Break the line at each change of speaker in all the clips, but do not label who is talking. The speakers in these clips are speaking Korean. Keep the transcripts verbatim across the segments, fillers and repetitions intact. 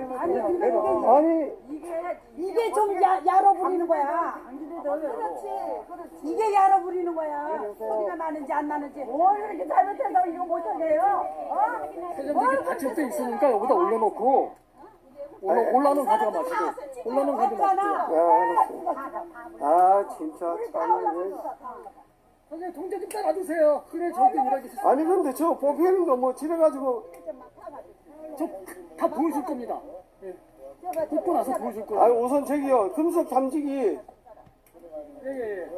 아니 근데 이게
아니
이게 이게 좀 야, 야로 부리는 거야. 그렇지, 그렇지. 이게 야로 부리는 거야. 소리가 나는지 안 나는지. 뭘 이렇게 잘못해서 이거 못하게 해요? 어?
세점들이 받칠 때 있으니까 여기다 올려놓고 올라, 올라는 가져가 마시고 올라는 가져가 마시고.
아 진짜 참.
선생님 동작 좀 따라주세요. 그래 저도 일하기 싫어.
아니 근데 저 뽑히는 거 뭐 집에가지고
저 다 보여줄 겁니다. 예. 뽑고 나서 보여줄 거예요.
아니 우선 저기요 금속 탐지기
예예예. 예.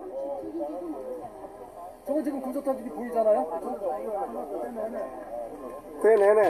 저거 지금 금속 탐지기 보이잖아요.
그래 네네.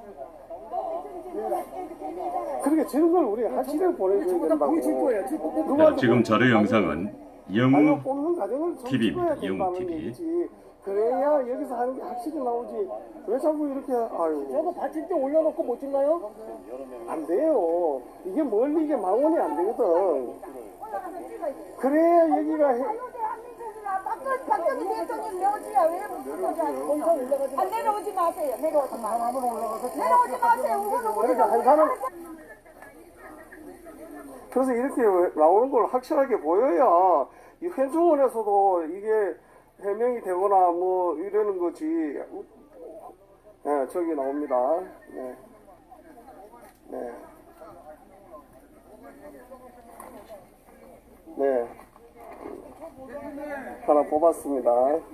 그렇게 저런 걸 우리 확실하게 보내줘야
저거 다
된다고.
보여줄 거예요. 지금 뽑고
네, 지금 자료 영상은
아니,
영우
뽑는 과정을 좀
티비입니다.
찍어야
영우
된다는
티비.
얘기지. 그래야 여기서 하는 게 확실히 나오지. 왜 자꾸 이렇게 아유
저거 받칠 때 올려놓고 못 찍나요?
안 돼요. 이게 멀리 이게 망원이 안 되거든. 그래야 여기가 해,
박정희 대통령 내오지야 왜 무슨 아 내려오지 마세요. 내려오지 마세요. 내려오지 마세요. 우리는
그러니까 한 사람 그래서 이렇게 나오는 걸 확실하게 보여야 이 회중원에서도 이게 해명이 되거나 뭐 이러는 거지. 네, 저기 나옵니다. 네. 네. 네. 하나 뽑았습니다.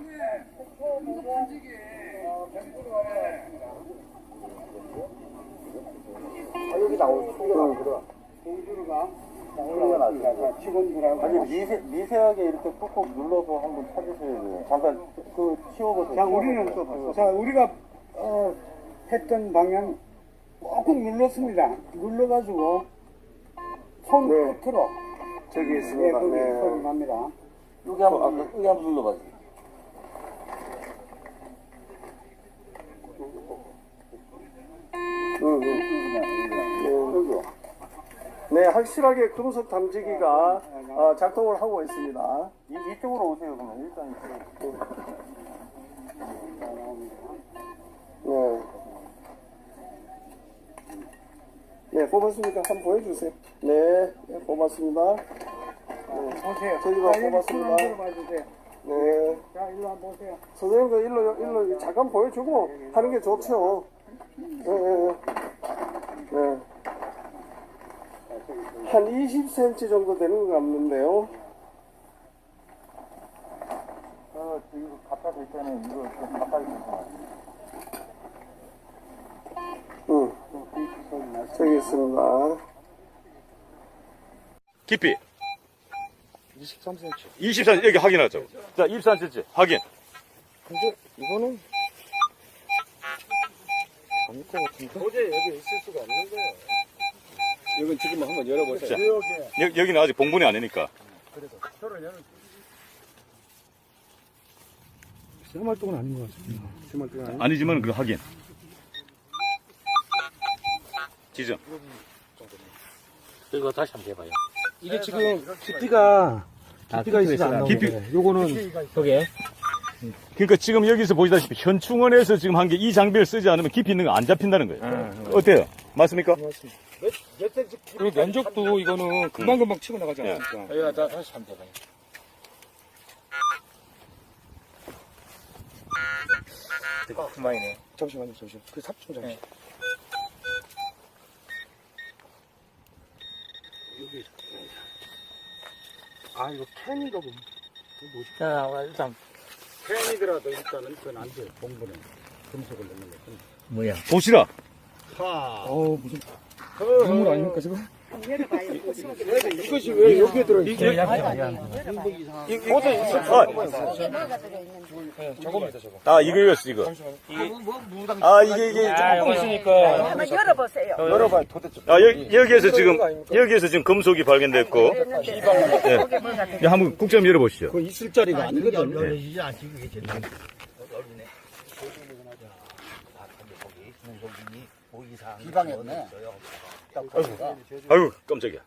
아, 여기 나올 수가 들어. 공주가
아니 미세, 미세하게 이렇게 꾹꾹 눌러서 한번 찾으셔야 돼요. 잠깐 그 치워보세요.
자, 우리는 또, 자, 우리가, 어, 했던 방향 꾹꾹 눌렀습니다. 눌러가지고, 손
네.
끝으로.
저기
예,
있습니다.
거기
네.
소리 납니다.
여기 한번, 아, 여기 한번 눌러봐요.
응, 응. 네, 확실하게 금속 탐지기가 어, 작동을 하고 있습니다.
이, 이쪽으로 오세요, 그러면. 일단 이쪽으로.
네. 네, 뽑았습니까? 한번 보여주세요. 네, 네 뽑았습니다. 네.
보세요.
저기가
자, 여기
뽑았습니다.
손 한번 봐주세요.
네.
자, 일로 한번 보세요.
선생님도 일로, 일로 잠깐 보여주고 하는 게 좋죠. 네, 네, 네. 한 이십 센티미터 정도 되는 것 같는데요.
어, 이거 갖다 댈 때는 이거 좀 가까이 있어요.
응. 저기 있습니다.
깊이
이십삼 센티미터.
이십삼 여기 확인하자고. 자, 이십삼 센티미터 확인.
근데 이거는 아닐 것 같은데.
도저히 여기 있을 수가 없는 거예요.
이건 지금 한번 열어보세요.
여, 여기는 아직 봉분이 아니니까.
생활동은 아닌 것 같습니다. 생활동은 아닌.
아니지만 그 확인. 지정.
이거 다시 한번 해봐요.
이게 지금 깊이가 깊이가 있어서 안 나오는
깊이-
거예요. 요거는
여기에?
그러니까 지금 여기서 보시다시피 현충원에서 지금 한 게 이 장비를 쓰지 않으면 깊이 있는 거 안 잡힌다는 거예요. 어때요? 맞습니까?
그리고 면적도 이거는 금방금방 치고 나가지 않습니까?
이거 다, 다시 한번 해봐요. 되게 그만이네.
잠시만요, 잠시만. 그 삽좀 잠시. 여기. 아, 이거 캔인가 보네. 이거 뭐지?
자, 일단,
팬이더라도 일단은 그건 안 돼요. 봉분은. 금속을 넣는 거.
뭐야.
보시라.
어우, 무슨. 동물 아닙니까, 지금?
이것이 왜 여기에 들어있어요?
저거만 있어, 저거.
아, 이거 이거 이거. 아, 이게 이게
아, 여기 있으니까.
한번 열어보세요.
열어봐요. 도대체.
아, 여기, 여기에서 지금, 여기에서 지금 금속이 발견됐고. 예. 예, 한번 국 좀 열어보시죠.
그 있을 자리가 아니거든.
열리지 않지, 그게 제일.
비방했네.
아유, 깜짝이야.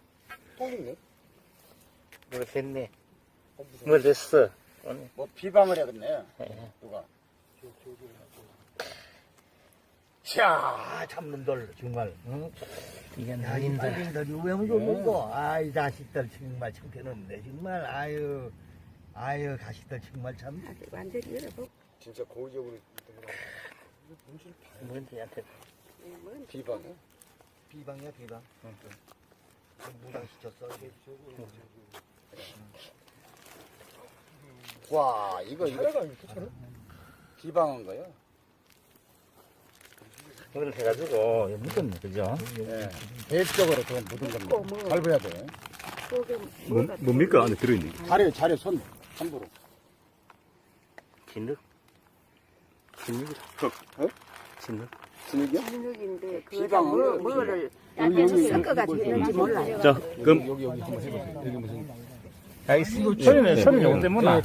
뭐 됐네. 뭐 됐어.
뭐 비방을 해야겠네. 누가.
자, 참놈들, 정말. 응? 이게 날린다. 날린다니 왜 물고 먹고? 아이 자식들 정말 창피했는데 정말 아유 아유 자식들 정말 참.
완전히 열어보고.
진짜 고의적으로
뭔데한테
비방해?
비방이야 비방. 응. 무당시켰어.
와, 이거, 이거. 비방한 거요?
이걸 해가지고 묻었네, 그죠?
예. 계획적으로 그건 묻은 겁니다. 밟아야 돼.
뭐, 뭡니까? 안에 들어있는 게.
자료, 자료 손, 함부로.
진흙? 진흙이라.
어?
진흙?
진흙이요?
진흙인데 그
비방한
뭐,
거.
뭐를 약해서 섞어가지고 했는지 몰라요.
자, 그럼
아이 소리는 소리 요거 때문에.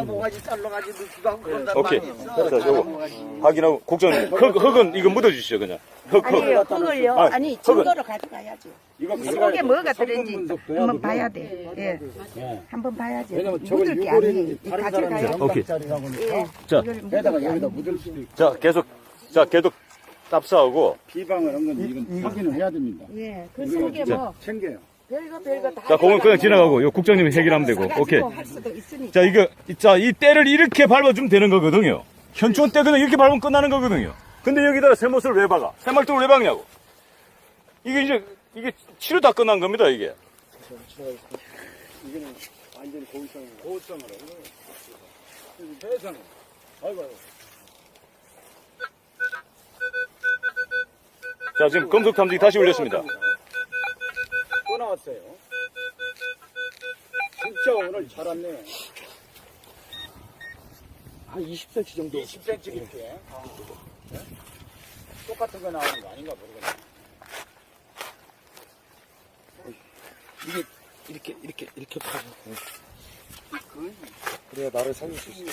오케이. 자, 요거 확인하고 국장님 흙, 흙은 이거 묻어주시죠 그냥. 흙,
아니에요,
흙.
그걸요.
아,
아니,
흙은-
증거로 가져가야죠.
이거
이 속에 뭐가 들었는지 한번 봐야 돼. 예. 한번 봐야지.
왜냐면 저걸
묻을 게
유골이는
아니에요.
다른
가져가야
사람이
돼.
오케이.
영당짜리라고
예.
하니까
자,
이걸 묻을
게다가
게
여기다
아니에요.
묻을 수도 있고.
자, 계속, 자, 계속 답사하고.
비방을 한 건 이건 확인을 해야 됩니다.
예. 그 속에 뭐
챙겨요.
별거 별거 다.
자, 그건 그냥 지나가고, 요 국장님이 해결하면 되고. 오케이.
할 수도 있으니까.
자, 이거, 자, 이 때를 이렇게 밟아주면 되는 거거든요. 현충원 때 그냥 이렇게 밟으면 끝나는 거거든요. 근데 여기다가 새못을 왜 박아? 새말뚝을 왜 박냐고. 이게 이제, 이게 치료 다 끝난 겁니다, 이게.
이거는 완전히 고의성, 고의성으로. 세상에. 아이고, 아이고.
자, 지금 검속 탐지기 다시 올렸습니다.
또 나왔어요. 진짜 오늘 잘 왔네.
한 이십 센티미터 정도.
이십 센티미터 깊게. 아, 네? 똑같은 거 나오는 거 아닌가 모르겠네.
이게 이렇게 이렇게 이렇게 파고.
그래야 나를 살릴 수 있어.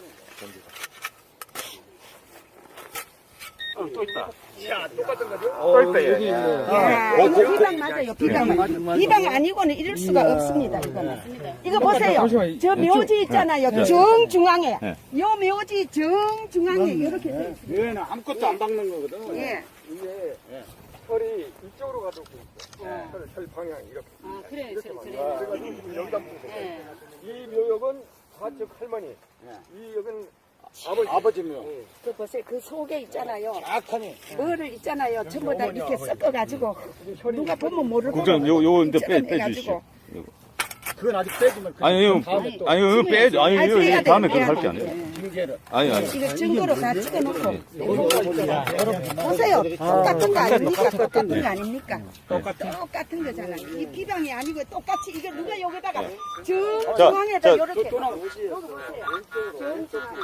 어, 또 있다.
또 있다, 여기 있네.
야, 이거 비방 맞아요, 비방. 비방 아니고는 이럴 수가 없습니다, 이거는. 이거 보세요. 저 묘지 있잖아요, 정중앙에.
네.
요 묘지 정중앙에 이렇게 돼 있어요.
얘는 아무것도 안 박는 거거든.
예.
이게 털이 이쪽으로 가지고 있어. 털, 털 방향이 이렇게.
아, 그래, 그래, 그래.
그래가지고 지금 여기다 묻어. 이 묘역은 좌측 할머니. 이 역은 아버지. 아버지 묘.
그 보세요, 그 속에 있잖아요.
약하니.
뭐를 있잖아요. 전부 다 이렇게 섞어가지고 누가 보면 모를 거고.
국장, 요, 요, 이제 빼,
섞어내가지고.
빼주시죠.
그건 아직 빼지만.
아니, 이거,
다음에 또.
아니, 이거 빼죠. 아니,
아니,
이거,
빼야
이거 다음에
돼,
그거
빼야
할 게
돼.
아니에요.
징계를.
아니, 아니.
이거 증거로 다 찍어놓고. 보세요. 똑같은 거 아닙니까? 똑같은 거 아닙니까? 똑같은, 똑같은 거잖아. 이 비방이 아니고 똑같이 이게 누가 여기다가 정중앙에다
자,
이렇게.
또 나오고.
여기 보세요. 정중앙에.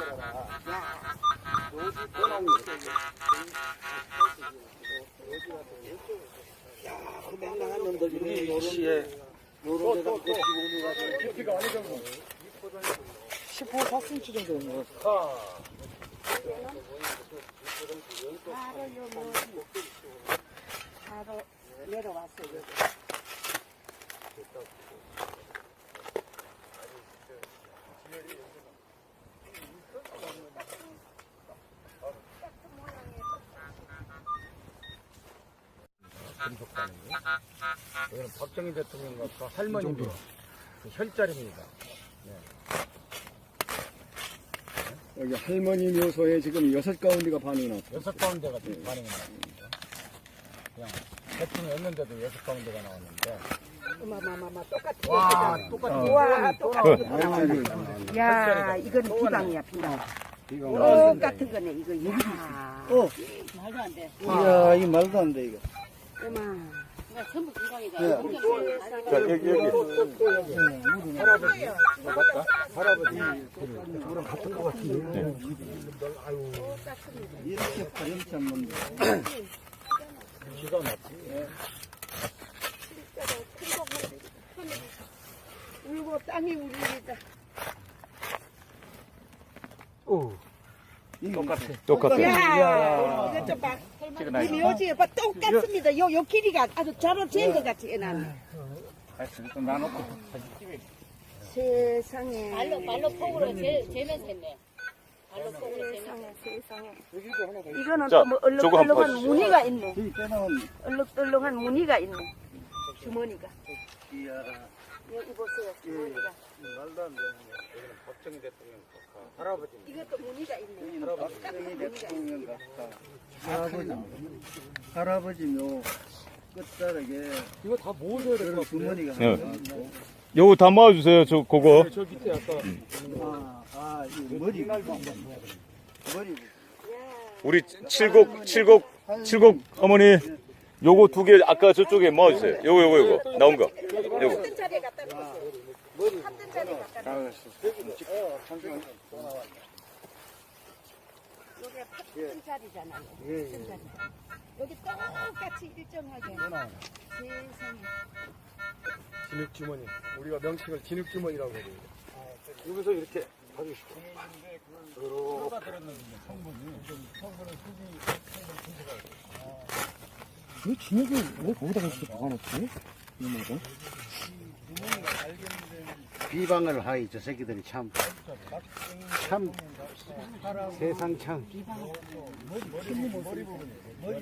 시에 요런 데다 깊이가 어느 정도?
십오 센티미터 정도 되는 거.
바로 요 묘지. 바로 내려왔어요. 여기.
여기는 박정희 대통령과 그 할머니 그 혈자리입니다.
여기 할머니 묘소에 지금 여섯 가운데가 반응이 나왔어요.
여섯 가운데가 지금 반응이 나왔습니다. 그냥 대통령이었는데도 여섯 가운데가 나왔는데.
어마마마마 똑같은
와,
거잖아.
똑같은
와, 똑같은 거 나왔네. 야, 이건 비방이야, 비방. 똑같은 거네, 이거. 야.
어.
말도 안 돼.
이야, 이게 말도 안 돼, 이거.
어마. 전부 비방이다.
자, 여기, 여기.
할아버지. 맞다? 할아버지. 저랑 같은 것 같은데.
이렇게 파렴치 않는데.
기가 막히네.
울고 땅이 울리다.
똑같아.
똑같아.
야, 이거 좀 봐. 이 묘지에 봐, 똑같습니다. 요, 요 길이가 아주 잘 재인 것 같이 해놨네. 세상에.
말로, 말로 폭으로 재, 재면서 했네.
세상에 세상에. 이거는
자,
또 뭐
저거 한번
얼룩덜룩한
봐주시죠.
무늬가 있네. 얼룩덜룩한 무늬가 있네. 주머니가. 여기 보세요. 주머니가.
말도 안 되는 거. 여기는 박정희 대통령 할아버지.
이것도 무늬가 있네.
박정희 대통령 같다.
할아버지, 할아버지묘 끝자락에
이거 다 모으셔야 될 것 같은데.
주머니가
네.
하나 있고.
요거 다 모아주세요. 저 그거.
저 밑에 아까
아, 아, 이 머리. 머리.
우리 칠곡 칠곡 칠곡 어머니 요거 두 개 아까 저쪽에 모아주세요. 요거 요거 요거 나온 거. 요거.
한 자리에 갖다 놓으세요. 한 자리에 갖다 놓으세요. 여기가 같은 자리잖아요. 같은 자리. 여기 똑같이 일정하게. 세상에.
진흙주머니. 우리가 명칭을 진흙주머니라고 해요. 여기서 이렇게 봐주시고. 왜 진흙을 왜 거기다가 이렇게 박아놓지? 이모가?
비방을 하이 저 새끼들이 참. 참 세상 참.